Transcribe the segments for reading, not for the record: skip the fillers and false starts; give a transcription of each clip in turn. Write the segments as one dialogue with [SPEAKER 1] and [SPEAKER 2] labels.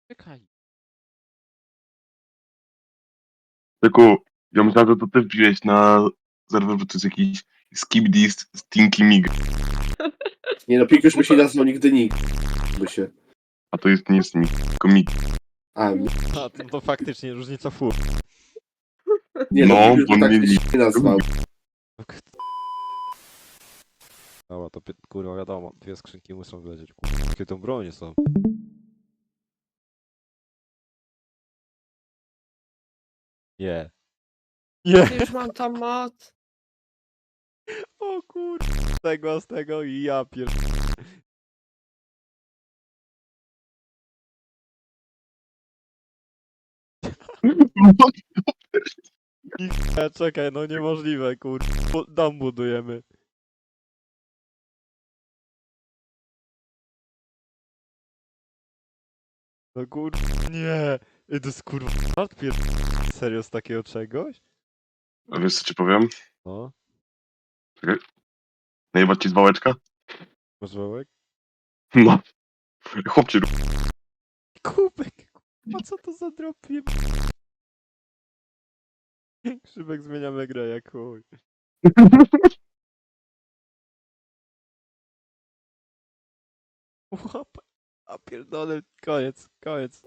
[SPEAKER 1] Czekaj.
[SPEAKER 2] Tylko ja myślałem, że to ty wbiłeś na serwer, bo to jest jakiś Skibidi Stinky Mig,
[SPEAKER 3] Nie no, Pikuś by się nazwał nigdy nikt. By się.
[SPEAKER 2] a to jest nie jest Mig, tylko Mig.
[SPEAKER 3] A,
[SPEAKER 1] A, to faktycznie różnica fur.
[SPEAKER 3] nie no,
[SPEAKER 2] No,
[SPEAKER 3] Pikuś
[SPEAKER 2] bo
[SPEAKER 3] by tak
[SPEAKER 2] nie-
[SPEAKER 3] się nie nazwał.
[SPEAKER 1] Dobra, to kurwa wiadomo, dwie skrzynki muszą wlecieć. Kurwa, jakie to bronie są. Nie. Nie!
[SPEAKER 4] Już mam tam moc.
[SPEAKER 1] O kurwa, z tego i ja pier... Nie, czekaj, no niemożliwe, kurwa. Dom budujemy. No kurwa, nie! Ej, to jest kurwa pier... Serio z takiego czegoś?
[SPEAKER 2] A wiesz co ci powiem?
[SPEAKER 1] No,
[SPEAKER 2] Najebać ci z wałeczka?
[SPEAKER 1] masz wałek?
[SPEAKER 2] No. Chłopcie,
[SPEAKER 1] Kubek, kurwa, co to za drop? Szybek zmieniamy grę jak chuj. Łap. A pierdolę, koniec.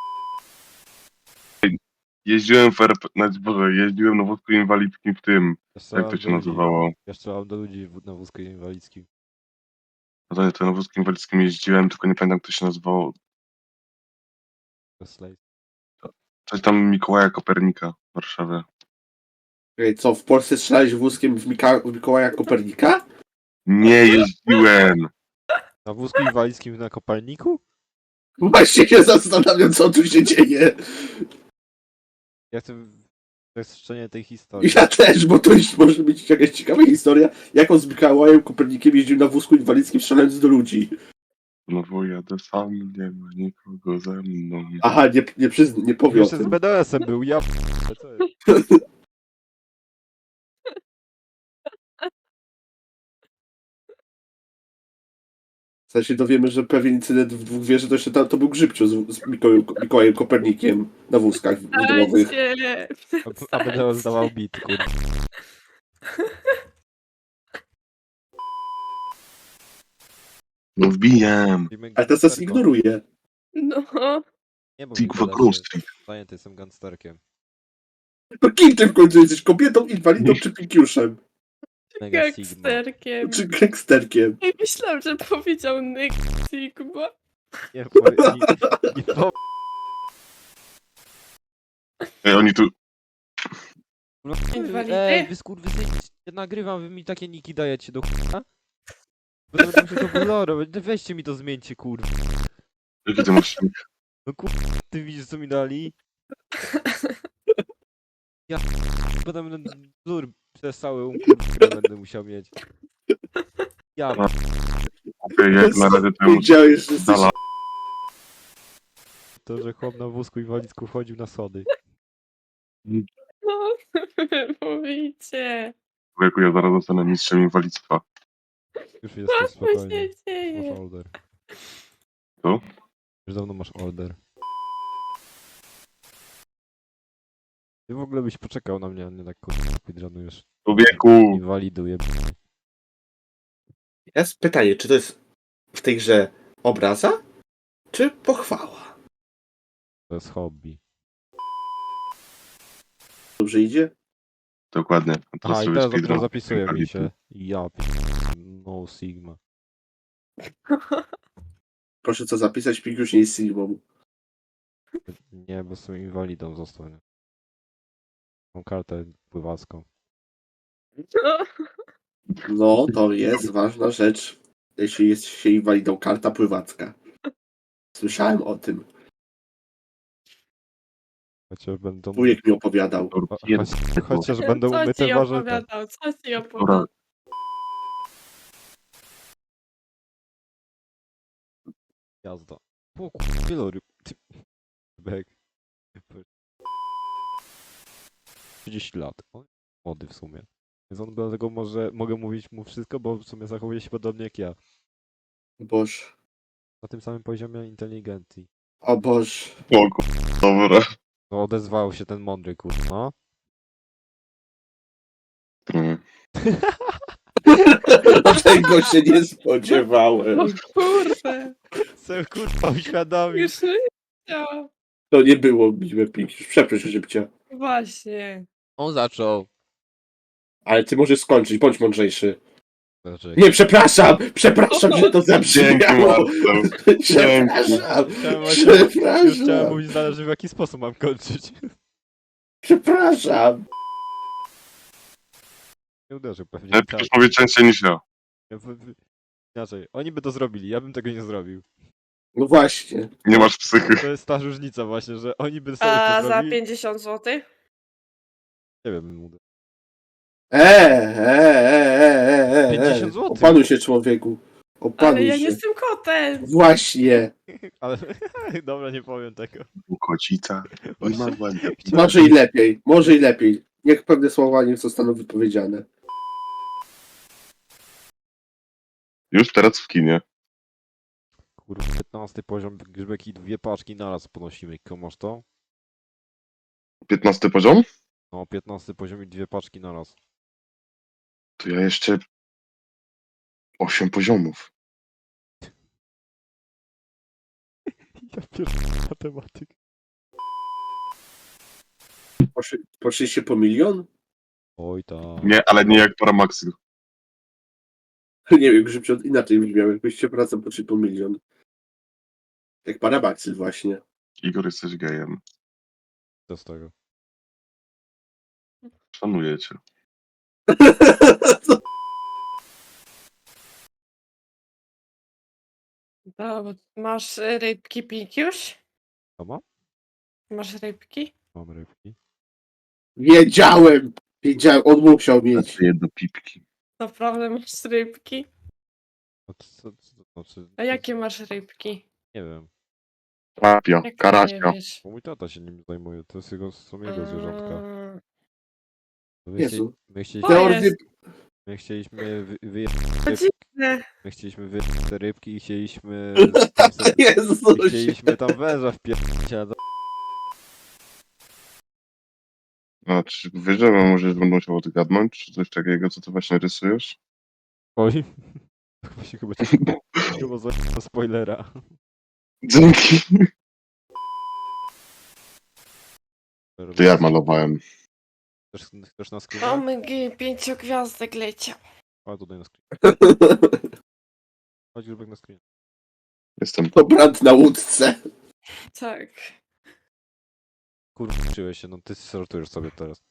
[SPEAKER 2] jeździłem w RP, Boże, jeździłem na wózku inwalidzkim w tym,
[SPEAKER 1] Jeszcze
[SPEAKER 2] jak to się nazywało?
[SPEAKER 1] Jeszcze mam do ludzi na wózku inwalidzkim.
[SPEAKER 2] No to na wózku inwalidzkim jeździłem, tylko nie pamiętam jak to się nazywało.
[SPEAKER 1] Slate.
[SPEAKER 2] Coś tam Mikołaja Kopernika w Warszawie.
[SPEAKER 3] Ej, co, w Polsce strzelałeś wózkiem w Mikołaja Kopernika?
[SPEAKER 2] Nie jeździłem!
[SPEAKER 1] Na wózku inwalidzkim na kopalniku?
[SPEAKER 3] Właśnie się zastanawiam, co tu się dzieje.
[SPEAKER 1] Ja chcę bezczenie tej historii.
[SPEAKER 3] Ja też, bo to już może być jakaś ciekawa historia, jak on z Mikołajem Kopernikiem jeździł na wózku inwalidzkim strzelając do ludzi.
[SPEAKER 2] No bo jadę sam, nie ma nikogo ze mną.
[SPEAKER 3] Aha, nie powie o
[SPEAKER 1] Jeszcze z
[SPEAKER 3] tym.
[SPEAKER 1] BDS-em był, ja co jest?
[SPEAKER 3] W sensie dowiemy, że pewien incydent w dwóch wieży to jeszcze to był Grzybciu z Mikołajem Kopernikiem na wózkach wydmowych.
[SPEAKER 4] Dajcie.
[SPEAKER 1] A BDS dawał bit, kurwa.
[SPEAKER 2] No wbijam!
[SPEAKER 3] Ale teraz nas ignoruje.
[SPEAKER 4] No.
[SPEAKER 1] Nie, bo
[SPEAKER 2] Ty
[SPEAKER 1] mi
[SPEAKER 2] kurwa
[SPEAKER 1] BDS
[SPEAKER 2] Grove
[SPEAKER 1] jest
[SPEAKER 2] Street.
[SPEAKER 1] zajęty, jestem gangsterkiem.
[SPEAKER 3] No kim ty w końcu jesteś? Kobietą, inwalidą czy pikiuszem?
[SPEAKER 1] Mega Sigma.
[SPEAKER 4] Gangsterkiem.
[SPEAKER 3] Czy gangsterkiem?
[SPEAKER 4] Ej, myślałam, że powiedział Nick Sigma.
[SPEAKER 1] Nie, nie
[SPEAKER 2] Ej, oni tu...
[SPEAKER 4] Inwalidy?
[SPEAKER 1] wy skurwysyni, ja nagrywam, wy mi takie niki dajecie do chuja? Będę musiał to kolorować, weźcie mi to zmieńcie, kurwa.
[SPEAKER 2] Jaki ty masz...
[SPEAKER 1] No kurwa, ty widzisz co mi dali? Ja potem wzór przez cały kurwa będę musiał mieć. Ja
[SPEAKER 2] Okej, jak na razie to ja muszę...
[SPEAKER 3] Wiedziałeś, że jesteś...
[SPEAKER 2] Dala.
[SPEAKER 1] to, że chłop na wózku inwalidzku wchodził na sody.
[SPEAKER 4] No, mówicie.
[SPEAKER 2] Człowieku, ja zaraz zostanę mistrzem inwalidztwa.
[SPEAKER 1] Już jestem
[SPEAKER 4] Co
[SPEAKER 1] spokojnie.
[SPEAKER 4] się
[SPEAKER 1] Masz
[SPEAKER 4] dzieje?
[SPEAKER 1] order.
[SPEAKER 2] Co?
[SPEAKER 1] Już dawno masz order. Ty w ogóle byś poczekał na mnie, a nie tak kurwa speedrunujesz.
[SPEAKER 2] Człowieku!
[SPEAKER 1] Inwaliduję.
[SPEAKER 3] Jest pytanie, czy to jest w tej grze obraza, czy pochwała?
[SPEAKER 1] To jest hobby.
[SPEAKER 3] Dobrze idzie?
[SPEAKER 2] Dokładnie. A teraz
[SPEAKER 1] Aha, i
[SPEAKER 2] sobie
[SPEAKER 1] teraz dopiero
[SPEAKER 2] speedrun.
[SPEAKER 1] zapisuje mi się. Ja no Sigma.
[SPEAKER 3] Proszę co zapisać, Pikiusz nie jest Sigmą.
[SPEAKER 1] Nie, bo jestem inwalidą został. Nie? Mam kartę pływacką.
[SPEAKER 3] No, to jest ważna rzecz, jeśli jest się inwalidą, karta pływacka. Słyszałem o tym.
[SPEAKER 1] Chociaż będą...
[SPEAKER 3] Wujek mi opowiadał.
[SPEAKER 1] Chociaż będą
[SPEAKER 4] Co
[SPEAKER 1] umyte
[SPEAKER 4] ci
[SPEAKER 1] warzywa.
[SPEAKER 4] opowiadał? Co ci
[SPEAKER 2] Dobra,
[SPEAKER 4] opowiadał?
[SPEAKER 1] Jazda. O kurwa, wieloryb. Ty... Bek. 30 lat. O, młody w sumie. Więc on dlatego mogę mówić mu wszystko, bo w sumie zachowuje się podobnie jak ja.
[SPEAKER 3] Boż.
[SPEAKER 1] Na tym samym poziomie inteligencji.
[SPEAKER 3] O Boże.
[SPEAKER 2] O dobra.
[SPEAKER 1] No odezwał się ten mądry, no.
[SPEAKER 2] Mm.
[SPEAKER 3] Tego się nie spodziewałem.
[SPEAKER 4] O kurde.
[SPEAKER 1] Se kurwa uświadomił.
[SPEAKER 4] Już życia.
[SPEAKER 3] To nie było miłe pięknie. Przepraszam, żebcia.
[SPEAKER 4] Właśnie.
[SPEAKER 1] On zaczął.
[SPEAKER 3] Ale ty możesz skończyć, bądź mądrzejszy.
[SPEAKER 1] Znaczy,
[SPEAKER 3] Nie, przepraszam! Przepraszam, że to
[SPEAKER 2] Dzięki,
[SPEAKER 3] zabrzmiało!
[SPEAKER 2] Marcel.
[SPEAKER 3] Przepraszam!
[SPEAKER 1] już chciałem
[SPEAKER 3] Przepraszam!
[SPEAKER 1] mówić, zależy w jaki sposób mam kończyć.
[SPEAKER 3] Przepraszam!
[SPEAKER 1] Nie uderzył pewnie.
[SPEAKER 2] Ale
[SPEAKER 1] Tak.
[SPEAKER 2] przecież mówię częściej niż ja.
[SPEAKER 1] Inaczej, oni by to zrobili, ja bym tego nie zrobił.
[SPEAKER 3] No właśnie.
[SPEAKER 2] Nie masz psychy.
[SPEAKER 1] To jest ta różnica właśnie, że oni by sobie
[SPEAKER 4] A
[SPEAKER 1] to
[SPEAKER 4] za
[SPEAKER 1] zrobili.
[SPEAKER 4] 50 zł?
[SPEAKER 1] Nie wiem, mówię. 50 złotych.
[SPEAKER 3] Opanuj się, człowieku. Opanuj
[SPEAKER 4] Ale ja
[SPEAKER 3] się.
[SPEAKER 4] nie jestem kotem.
[SPEAKER 3] Właśnie.
[SPEAKER 1] Ale dobra, nie powiem tego.
[SPEAKER 2] Kocica. I ma ładnie.
[SPEAKER 3] Może i lepiej. Może i lepiej. Niech pewne słowa nie zostaną wypowiedziane.
[SPEAKER 2] Już teraz w kinie.
[SPEAKER 1] Kurwa, 15 poziom grzbek i 2 paczki naraz ponosimy. Komasz to?
[SPEAKER 2] 15 poziom?
[SPEAKER 1] No, 15 poziom i 2 paczki naraz.
[SPEAKER 2] To ja jeszcze 8 poziomów.
[SPEAKER 1] Ja pierdolę matematyk.
[SPEAKER 3] Poszliście po milion?
[SPEAKER 1] Oj tak.
[SPEAKER 2] Nie, ale nie jak Paramaxil.
[SPEAKER 3] Nie wiem, Grzybcio, inaczej brzmiał, jakbyście pracę poszli po milion. Jak Parabaxyl właśnie.
[SPEAKER 2] Igor, jesteś gejem.
[SPEAKER 1] Co z tego?
[SPEAKER 2] Szanuję cię.
[SPEAKER 4] Dobra, masz rybki Pikiusz?
[SPEAKER 1] Co ma?
[SPEAKER 4] Masz rybki?
[SPEAKER 1] Mam rybki.
[SPEAKER 3] Wiedziałem! Wiedziałem, on musiał mieć.
[SPEAKER 2] Jedno pipki.
[SPEAKER 4] Naprawdę masz rybki?
[SPEAKER 1] A co to znaczy?
[SPEAKER 4] A jakie masz rybki?
[SPEAKER 1] Nie wiem.
[SPEAKER 2] Papia,
[SPEAKER 4] Jak to nie
[SPEAKER 2] karasia.
[SPEAKER 4] wiesz?
[SPEAKER 1] Bo mój tata się nim zajmuje, to jest jego, są jego zwierzątka.
[SPEAKER 4] A,
[SPEAKER 3] Jezu.
[SPEAKER 1] My,
[SPEAKER 4] O,
[SPEAKER 3] Teoretycznie
[SPEAKER 4] jest.
[SPEAKER 1] my chcieliśmy
[SPEAKER 4] To dziwne.
[SPEAKER 1] my chcieliśmy wyjeść te rybki i chcieliśmy tam sobie, i
[SPEAKER 3] Jezus!
[SPEAKER 1] chcieliśmy tam węża wpierdolić, ale
[SPEAKER 2] A czy wiesz, że może będę musiał odgadnąć, czy coś takiego, co ty właśnie rysujesz?
[SPEAKER 1] oj. Właśnie chyba cię chyba za spoilera.
[SPEAKER 2] Dzięki. To ja malowałem.
[SPEAKER 1] Chcesz na screena?
[SPEAKER 4] OMG, 5 gwiazdek leciał.
[SPEAKER 1] A tutaj na screen. Chodź Grzybek na screen.
[SPEAKER 2] Jestem.
[SPEAKER 3] To brat na łódce.
[SPEAKER 4] Tak.
[SPEAKER 1] Kurwa, uczyłeś się, no ty sortujesz sobie teraz.